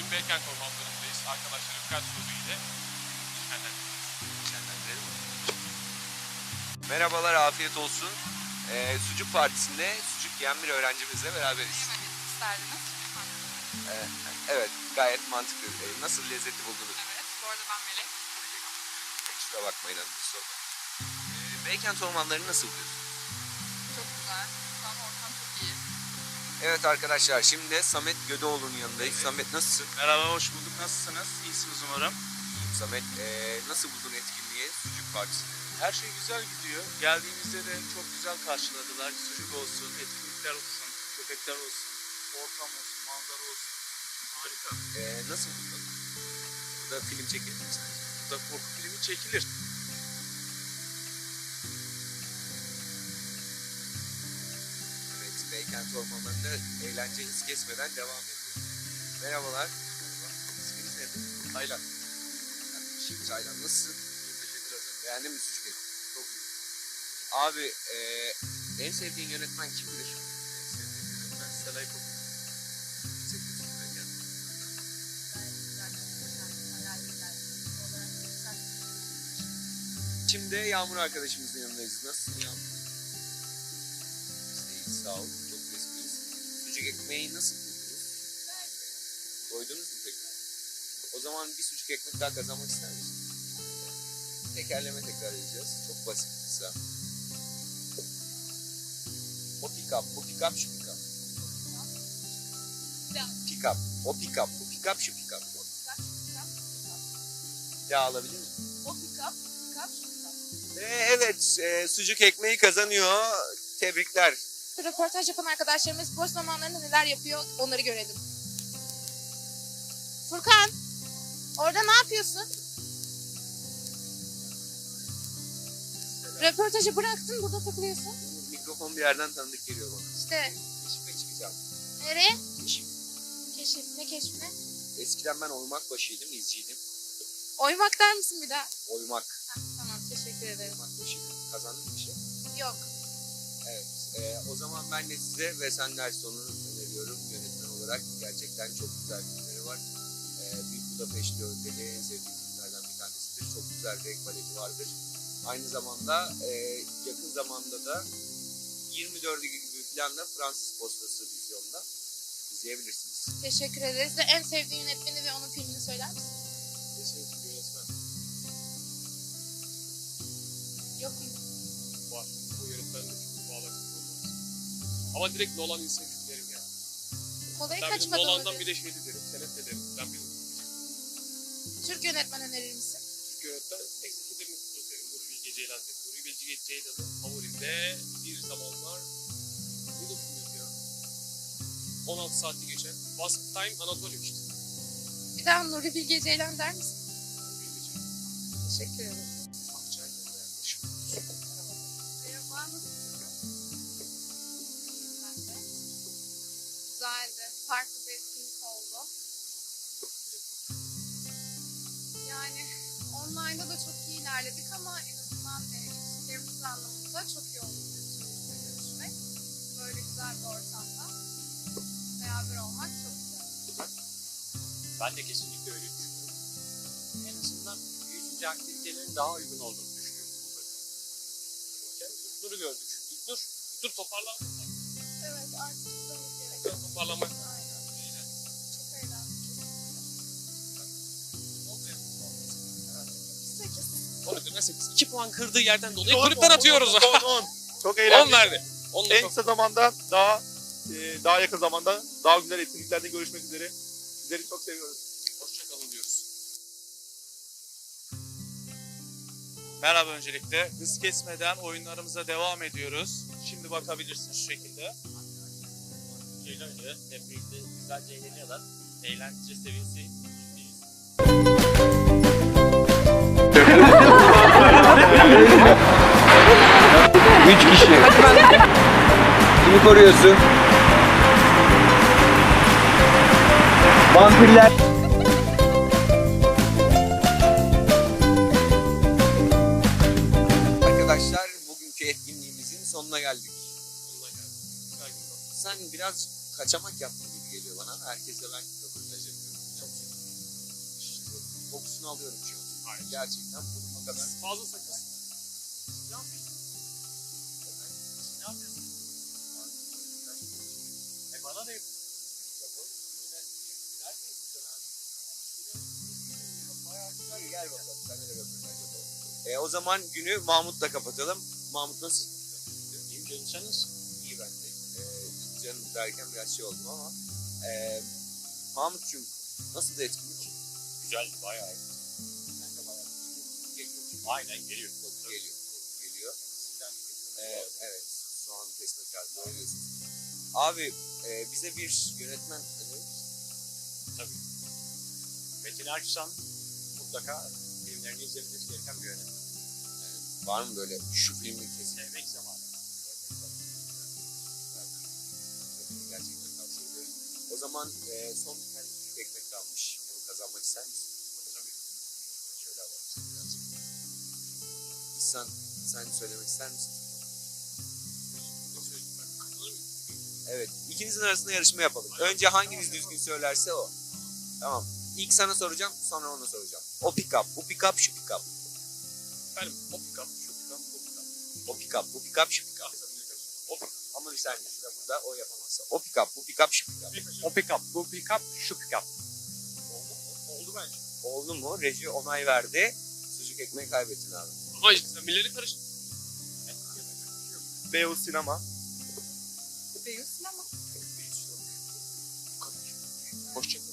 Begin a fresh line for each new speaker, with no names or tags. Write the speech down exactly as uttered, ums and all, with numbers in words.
bugün Beykent ormanlarındayız. Arkadaşlarım birkaç soru ile
Şenlendirelim. Merhabalar, afiyet olsun. Ee, Sucuk Partisi'nde sucuk yiyen bir öğrencimizle beraberiz.
Yemek isterdiniz.
Ee, evet, gayet mantıklı. Ee, nasıl lezzeti buldunuz?
Evet. Bu arada ben Melek.
Kusura bakmayın hanım, bir sorun. Ee, Beykent ormanlarını nasıl buluyorsunuz?
Çok güzel. Şu an ortam çok iyi.
Evet arkadaşlar, şimdi de Samet Gödeoğlu'nun yanındayız. Evet. Samet nasılsın?
Merhaba, hoş bulduk. Nasılsınız? İyisiniz umarım.
Samet, ee, nasıl buldun etkinliği, Sucuk Partisi'ni?
Her şey güzel gidiyor. Geldiğimizde de çok güzel karşıladılar. Sucuk olsun, etkinlikler olsun, köpekler olsun, ortam olsun, manzara olsun. Harika.
Ee, nasıl buldun? Burada film çekilir mi sence?
Burada korku filmi çekilir.
Evet, Beykent ormanlarında eğlence hız kesmeden devam ediyor. Merhabalar. Merhaba. İsminiz nedir?
Taylan.
Şimdi Taylan, nasılsın?
Teşekkür ederim.
Beğendin mi sucuk eti?
Çok iyi.
Abi, ee, en sevdiğin yönetmen kimdir?
Sevdiğim yönetmen Selay Koku.
Seviyorsun Beykent. Şimdi Yağmur arkadaşımızın yanındayız. Nasılsın Yağmur? Biz de iyiyiz, sağ ol. Çok resmiyiz. Sucuk ekmeği nasıl buldunuz? Doydunuz mu peki? O zaman bir sucuk ekmek daha kazanmak ister misin? Tekerleme tekrar edeceğiz. Çok basit, kısa. O pick up, bu pick up, şu pick up. Pick up, o pick up, bu pick up, şu pick up. Ya alabilir miyim?
O pick up, pick up, şu pick up.
Ve evet, e, sucuk ekmeği kazanıyor. Tebrikler.
Röportaj yapan arkadaşlarımız boş zamanlarında neler yapıyor onları görelim. Furkan, orada ne yapıyorsun? Röportajı bıraktın, burada takılıyorsun.
Mikrofon bir yerden tanıdık geliyor bana.
İşte,
Keşife çıkacağım.
nereye?
Keşif.
Keşif, ne keşfi?
Eskiden ben oymak başıydım, izciydim.
Oymak der misin bir daha?
Oymak.
Heh, tamam, teşekkür ederim.
Oymak başıydım. Kazandın bir şey.
Yok.
Evet. E, o zaman ben de size Wes Anderson'u öneriyorum yönetmen olarak. Gerçekten çok güzel filmleri var. E, Büyük Budapeşte Öteli en sevdiğim filmlerden bir tanesidir. Çok güzel renk paleti vardır. Aynı zamanda e, yakın zamanda da yirmi dördü gibi falan da Fransız Postası vizyonda izleyebilirsiniz.
Teşekkür ederiz. De en sevdiğin yönetmeni ve onun filmini söyler misin?
En sevdiğim yönetmen
Yok mu?
var. Bu yönetmenle çok bağlantı olmaz. Ama direkt Nolan Inception derim ya.
Kolayı
Ben
kaç
benim
kadın
Nolan'dan
öderim?
bir de şey de derim. Tenet de derim. Ben benim
Türk yönetmen önerir misin?
Türk yönetmen Executive Mutlu derim. Nuri Bilge Ceylan derim. Nuri Bilge Ceylan'ın favorimde bir zamanlar ne de filmi ya? on altı saati geçen Once Upon a Time Anatolia işte.
Bir daha Nuri Bilge Ceylan der misin?
Nuri Bilge Ceylan.
Teşekkür ederim.
Akçay'la yaklaşım.
Merhaba, nasılsın? Ben de. Güzeldi. Farklı bir etkinlik oldu. Yani online'da da çok iyi ilerledik ama en azından e, ilişkilerimiz anlamında çok iyi oldu birbirimizle görüşmek. Böyle güzel bir ortamda beraber olmak çok güzel.
Ben de kesinlikle öyle düşünüyorum. En azından yüz yüze aktivitelerin daha uygun olduğunu düşünüyorum burada.
Yani İlknur'u gördük. İlknur, İlknur toparlandı mı?
Evet, artık gitmemiz gerek.
Biraz toparlanmak lazım.
Aynen. Çok eğlendik.
Ne oldu ya?
sekiz.
on üzerinden sekiz. iki puan kırdığı yerden dolayı kulüpten atıyoruz.
on, on. Çok
on
eğlenceli.
verdi. on
En
çok.
kısa zamanda daha e, daha yakın zamanda daha güzel etkinliklerde görüşmek üzere. Sizleri çok seviyoruz.
Hoşçakalın diyoruz.
Merhaba öncelikle. Hız kesmeden oyunlarımıza devam ediyoruz. Şimdi bakabilirsiniz şu şekilde.
Ceylan ile hep birlikte güzelce eğleniyorlar. Eğlence seviyesi yüzde yüz.
Üç kişi. Kimi koruyorsun? Vampirler. Arkadaşlar, bugünkü etkinliğimizin sonuna geldik.
Sonuna geldik. Güzel gün oldu.
Sen biraz kaçamak yaptın gibi geliyor bana. Herkesle ben röportaj yapıyorum. Çok işte, kokusunu alıyorum şu an.
Hayır.
Gerçekten burnuma kadar.
Fazla sakız.
Ne yapıyorsun? Ne yapıyorsun? E bana da yapın.
Hadi gel bakalım. Sen de röportaj yapalım. E, o zaman günü Mahmut'la kapatalım. Mahmut nasıl?
İyiyim canım, sen nasılsın?
İyi ben de. E, canım derken biraz şey oldum ama. E, Mahmut'cum nasıl da etkinlik?
Güzeldi, bayağı iyi.
Sen de bayağı geliyor.
Aynen geliyor.
Geliyor. Geliyor. E, evet. Şu an test kağıdı. Doğru diyorsun. Abi e, bize bir yönetmen önerir misin?
Tabii. Metin Erksan mutlaka filmlerini izlemeniz gereken bir yönetmen.
Var mı böyle şu filmi kesin?
Sevmek zamanı.
Gerçekten tavsiye ediyorum. O zaman e, son bir tane küçük ekmek kalmış. Bunu kazanmak ister misin?
Tabii.
Şöyle alalım seni birazcık. İhsan sen söylemek ister misin? Evet. İkinizin arasında yarışma yapalım. Önce hanginiz düzgün söylerse o. Tamam. İlk sana soracağım, sonra ona soracağım. O pick-up, bu pick-up, şu pick-up.
Efendim o pick-up, şu pick-up, bu pick-up.
O pick-up, bu pick-up, şu pick-up.
O pick-up.
Ama bir saniye, şurada burada o yapamazsa. O pick-up, bu pick-up, şu pick-up.
O pick-up, bu pick-up, şu pick-up.
Oldu mu? Oldu bence.
Oldu mu? Reji onay verdi. Sucuk ekmeği kaybettin abi.
Ama işte sen milleri karıştın.
Beyoğlu Sinema.
Beyaz sinema.
Bu kadar. Hoşçakalın.